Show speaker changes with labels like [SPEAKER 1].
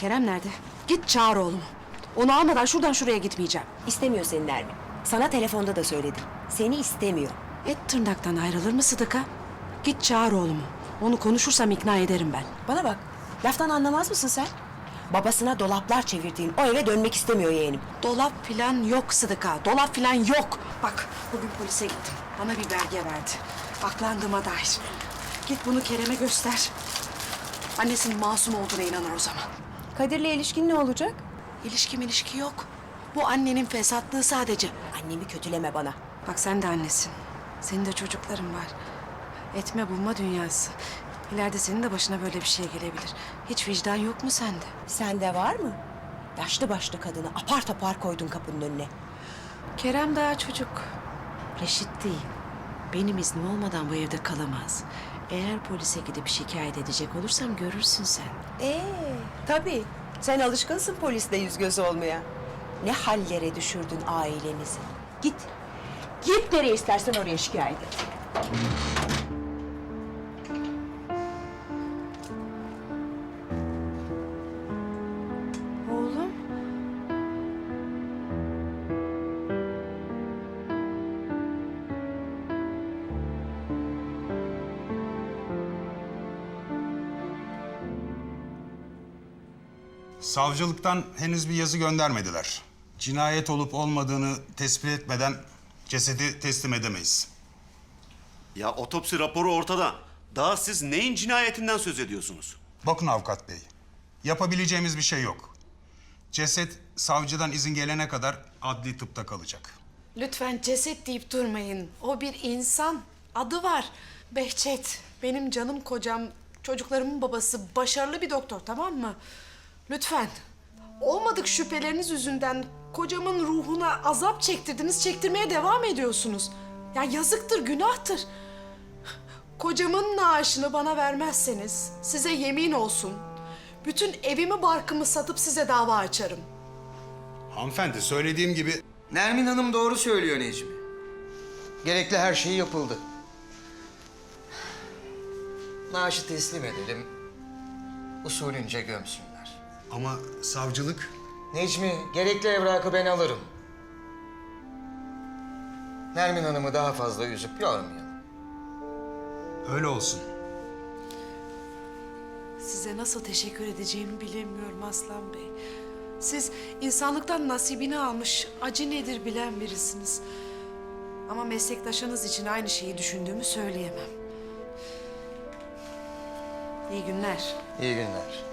[SPEAKER 1] Kerem nerede? Git çağır oğlumu. Onu almadan şuradan şuraya gitmeyeceğim.
[SPEAKER 2] İstemiyor seni Nermin. Sana telefonda da söyledim. Seni istemiyor.
[SPEAKER 1] Et tırnaktan ayrılır mı Sıdıka? Git çağır oğlumu. Onu konuşursam ikna ederim ben.
[SPEAKER 2] Bana bak, laftan anlamaz mısın sen? Babasına dolaplar çevirdiğin o eve dönmek istemiyor yeğenim.
[SPEAKER 1] Dolap filan yok Sıdıka. Dolap filan yok. Bak bugün polise gittim. Bana bir belge verdi. Aklandığıma dair. Git bunu Kerem'e göster. Annesinin masum olduğuna inanır o zaman.
[SPEAKER 2] Kadir'le ilişkin ne olacak?
[SPEAKER 1] İlişki yok. Bu annenin fesatlığı sadece.
[SPEAKER 2] Annemi kötüleme bana.
[SPEAKER 1] Bak sen de annesin. Senin de çocukların var. Etme bulma dünyası. İleride senin de başına böyle bir şey gelebilir. Hiç vicdan yok mu sende?
[SPEAKER 2] Sende var mı? Yaşlı başlı kadını apar topar koydun kapının önüne.
[SPEAKER 1] Kerem daha çocuk. Reşit değil. Benim iznim olmadan bu evde kalamaz. Eğer polise gidip şikayet edecek olursam görürsün sen.
[SPEAKER 2] Tabii. Sen alışkınsın polisle yüz göz olmaya. Ne hallere düşürdün ailenizi. Git. Git nereye istersen oraya şikayet et.
[SPEAKER 1] Oğlum.
[SPEAKER 3] Savcılıktan henüz bir yazı göndermediler. Cinayet olup olmadığını tespit etmeden cesedi teslim edemeyiz.
[SPEAKER 4] Ya otopsi raporu ortada. Daha siz neyin cinayetinden söz ediyorsunuz?
[SPEAKER 3] Bakın avukat bey, yapabileceğimiz bir şey yok. Ceset savcıdan izin gelene kadar adli tıpta kalacak.
[SPEAKER 1] Lütfen ceset deyip durmayın. O bir insan. Adı var. Behçet. Benim canım kocam, çocuklarımın babası. Başarılı bir doktor, tamam mı? Lütfen. Olmadık şüpheleriniz yüzünden kocamın ruhuna azap çektirdiniz, çektirmeye devam ediyorsunuz. Ya yazıktır, günahtır. Kocamın naaşını bana vermezseniz size yemin olsun, bütün evimi barkımı satıp size dava açarım.
[SPEAKER 3] Hanımefendi, söylediğim gibi
[SPEAKER 5] Nermin Hanım doğru söylüyor Necmi. Gerekli her şey yapıldı. Naaşı teslim edelim. Usulünce gömsünler.
[SPEAKER 3] ama savcılık...
[SPEAKER 5] Necmi, gerekli evrakı ben alırım. Nermin Hanım'ı daha fazla üzüp yormayalım.
[SPEAKER 3] Öyle olsun.
[SPEAKER 1] Size nasıl teşekkür edeceğimi bilemiyorum Aslan Bey. Siz insanlıktan nasibini almış, acı nedir bilen birisiniz. Ama meslektaşınız için aynı şeyi düşündüğümü söyleyemem. İyi günler.
[SPEAKER 5] İyi günler.